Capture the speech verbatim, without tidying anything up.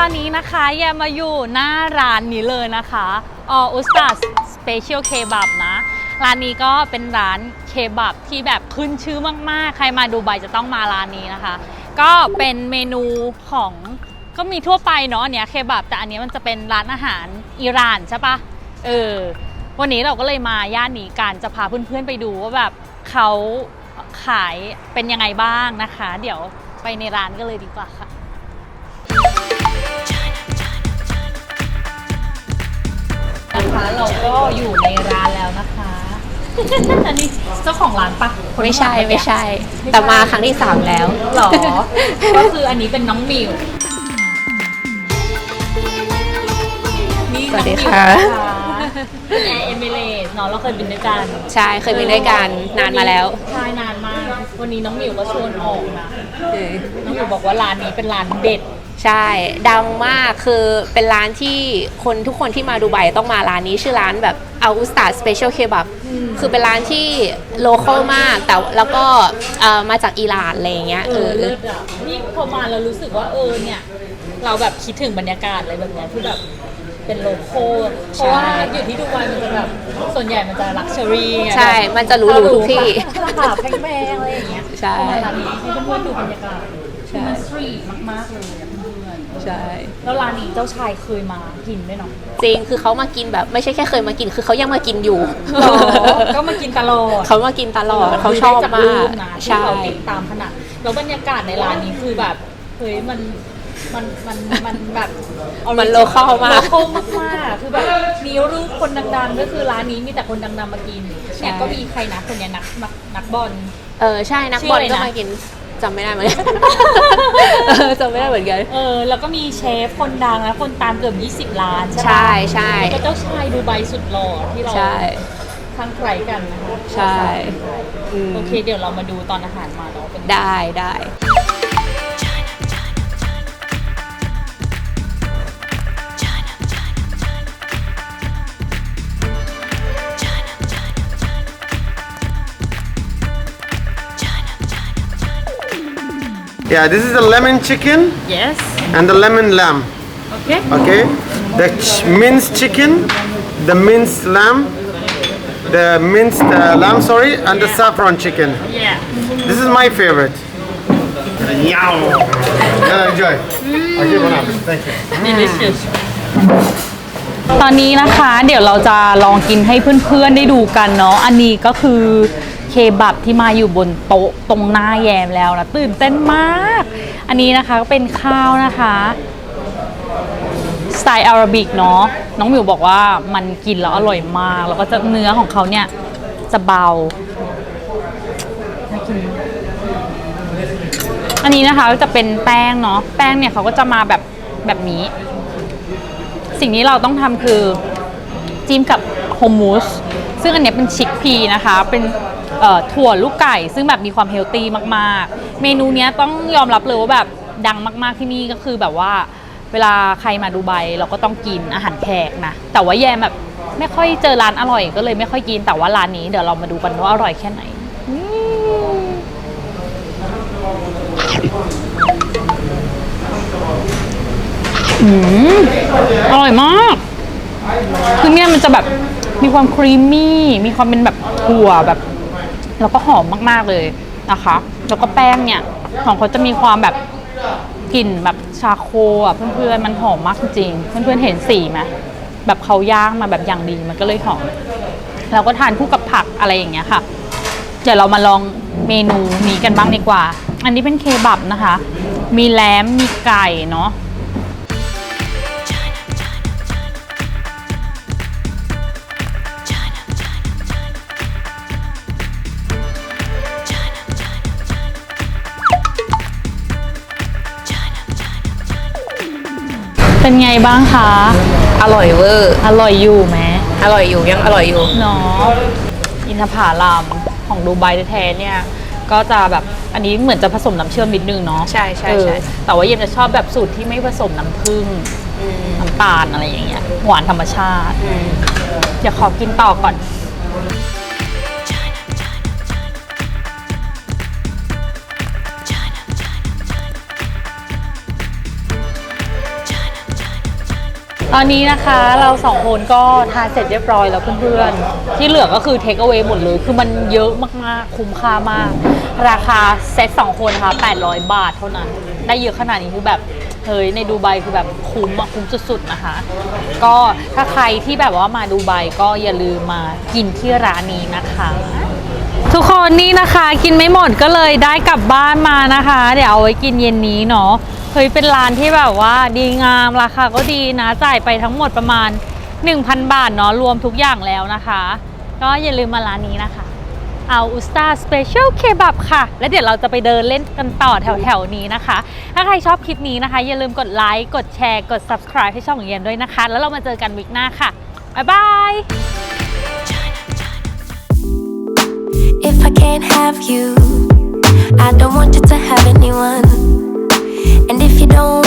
อนนี้นะคะแยมมาอยู่หน้าร้านนี้เลยนะคะอออุสตาสเปเชียลเคบับนะร้านนี้ก็เป็นร้านเคบับที่แบบขึ้นชื่อมากๆใครมาดูไบจะต้องมาร้านนี้นะคะก็เป็นเมนูของก็มีทั่วไปเนาะอันเนี้ยเคบับแต่อันนี้มันจะเป็นร้านอาหารอิหร่านใช่ปะเออวันนี้เราก็เลยมาย่านนี้กันจะพาเพื่อนๆไปดูว่าแบบเขาขายเป็นยังไงบ้างนะคะเดี๋ยวไปในร้านกันเลยดีกว่าค่ะนะคะเราก็อยู่ในร้านแล้วนะคะอันนี้เจ้าของร้านปะไม่ใช่ไม่ใช่แต่มาครั้งที่สามแล้วหรอก็คืออันนี้เป็นน้องมิวสวัสดีค่ะเป็นแอร์เอมิเรตส์เนาะเราเคยบินด้วยกันใช่เคยบินด้วยกันนานมาแล้วใช่นานมากวันนี้น้องมิวก็ชวนออกนะน้องมิวบอกว่าร้านนี้เป็นร้านเด็ดใช่ดังมากคือเป็นร้านที่คนทุกคนที่มาดูไบต้องมาร้านนี้ชื่อร้านแบบอัลอุสตาสเปเชียลเคบับคือเป็นร้านที่โลคอลมากแต่แล้วก็มาจากอิหร่านอะไรอย่างเงี้ยเออเลิศอ่ะนี่พอมาเรารู้สึกว่าเออเนี่ยเราแบบคิดถึงบรรยากาศอะไรแบบเนี้ยที่แบบเป็นโลคอลเพราะว่าอยู่ที่ดูไบมันจะแบบส่วนใหญ่มันจะลักชัวรี่ไงใช่มันจะหรูๆทุกที่ราคาแพงๆอะไรอย่างเงี้ยใช่ร้านนี้ให้เพื่อนๆดูบรรยากาศมันสตรีทมากๆเลยเพื่อนใช่แล้วร้านนี้เจ้าชายเคยมากินด้วยเนาะจริงคือเขามากินแบบไม่ใช่แค่เคยมากินคือเขายังมากินอยู่ก็มากินตลอดเขามากินตลอดเขาชอบมากใช่เขาติดตามขนาดแล้วบรรยากาศในร้านนี้คือแบบเฮ้ยมันมันมันมันแบบมันโลคอลมากโลคอลมากๆคือแบบมีรูปคนดังๆก็คือร้านนี้มีแต่คนดังๆมากินเนี่ยก็มีใครนะคนนี้นักนักบอลเออใช่นักบอลก็มากินจำไม่ได้เหมือนกันจำไม่ได้เหมือนกันเออแล้วก็มีเชฟคนดังนะคนตามเกือบยี่สิบล้านใช่ไหมใช่ใช่แล้วก็เจ้าชายดูไบสุดหล่อที่เราทั้งใครกันนะคะใช่โอเคเดี๋ยวเรามาดูตอนอาหารมาเนาะเป็นได้ได้ Yeah, this is the lemon chicken. Yes. And the lemon lamb. Okay. Okay. The ch minced chicken, the minced lamb, the minced uh, lamb, sorry, and yeah. the saffron chicken. Yeah. This is my favorite. Yow. Yeah, enjoy. Mm. I'll give one up. Thank you. Delicious. ตอนนี้นะคะเดี๋ยวเราจะลองกินให้เพื่อนๆได้ดูกันเนาะอันนี้ก็คือเคบับที่มาอยู่บนโต๊ะตรงหน้าแยมแล้วนะตื่นเต้นมากอันนี้นะคะก็เป็นข้าวนะคะสไตล์อาราบิกเนาะน้องมิวบอกว่ามันกินแล้วอร่อยมากแล้วก็จะเนื้อของเขาเนี่ยจะเบาน่ากินอันนี้นะคะจะเป็นแป้งเนาะแป้งเนี่ยเขาก็จะมาแบบแบบนี้สิ่งที่เราต้องทำคือจิ้มกับโฮมมูสซึ่งอันนี้เป็นชิคพีนะคะเป็นถั่วลูกไก่ซึ่งแบบมีความเฮลตี้มากๆเมนูนี้ต้องยอมรับเลยว่าแบบดังมากๆที่นี่ก็คือแบบว่าเวลาใครมาดูไบเราก็ต้องกินอาหารแขกนะแต่ว่าแยมแบบไม่ค่อยเจอร้านอร่อยก็เลยไม่ค่อยกินแต่ว่าร้านนี้เดี๋ยวเรามาดูกันว่าอร่อยแค่ไหนอืมอร่อยมากคือเนี่ยมันจะแบบมีความครีมมี่มีความเป็นแบบถั่วแบบแล้วก็หอมมากๆเลยนะคะแล้วก็แป้งเนี่ยของเขาจะมีความแบบกลิ่นแบบชาโคอ่ะเพื่อนๆมันหอมมากจริงๆเพื่อนๆเห็นสีไหมแบบเขาย่างมาแบบอย่างดีมันก็เลยหอมเราก็ทานคู่กับผักอะไรอย่างเงี้ยค่ะเดี๋ยวเรามาลองเมนูนี้กันบ้างดีกว่าอันนี้เป็นเคบับนะคะมีแล้มมีไก่เนาะเป็นไงบ้างคะอร่อยเวอร์อร่อยอยู่ไหมอร่อยอยู่ยังอร่อยอยู่เนาะอินทผลัมของดูไบแท้ๆเนี่ยก็จะแบบอันนี้เหมือนจะผสมน้ำเชื่อมนิดนึงเนาะใช่ใช่ใช่แต่ว่าเย็นจะชอบแบบสูตรที่ไม่ผสมน้ำผึ้งน้ำตาลอะไรอย่างเงี้ยหวานธรรมชาติเดี๋ยวขอกินต่อก่อนอตอนนี้นะคะเราสองคนก็ทานเสร็จเรียบร้อยแล้วเพื่อนๆที่เหลือก็คือเทคเอา a y หมดเลยคือมันเยอะมากๆคุ้มค่ามากราคาเซตสองคนค่ะแปดร้อยบาทเท่านั้นได้เยอะขนาดนี้คือแบบเฮ้ยในดูไบคือแบบคุ้มอะคุ้มสุดๆนะคะก็ถ้าใครที่แบบว่ามาดูไบก็อย่าลืมมากินที่ร้านนี้นะคะ ทุกคนนี่นะคะกินไม่หมดก็เลยได้กลับบ้านมานะคะ เดี๋ยวเอาไว้กินเย็นนี้เนาะเฮ้ยเป็นร้านที่แบบว่าดีงามราคาก็ดีนะจ่ายไปทั้งหมดประมาณ หนึ่งพัน บาทเนาะรวมทุกอย่างแล้วนะคะ ก็อย่าลืมมาร้านนี้นะคะเอาอุสตาสเปเชียลเคบับค่ะแล้วเดี๋ยวเราจะไปเดินเล่นกันต่อแถวๆนี้นะคะ ถ้าใครชอบคลิปนี้นะคะอย่าลืมกดไลค์กดแชร์กด ซับสไครบ์ ให้ช่องของเย็นด้วยนะคะแล้วเรามาเจอกันวิกหน้าค่ะบ๊ายบาย If I can't have you, I don't want you to have anyone. And if you don't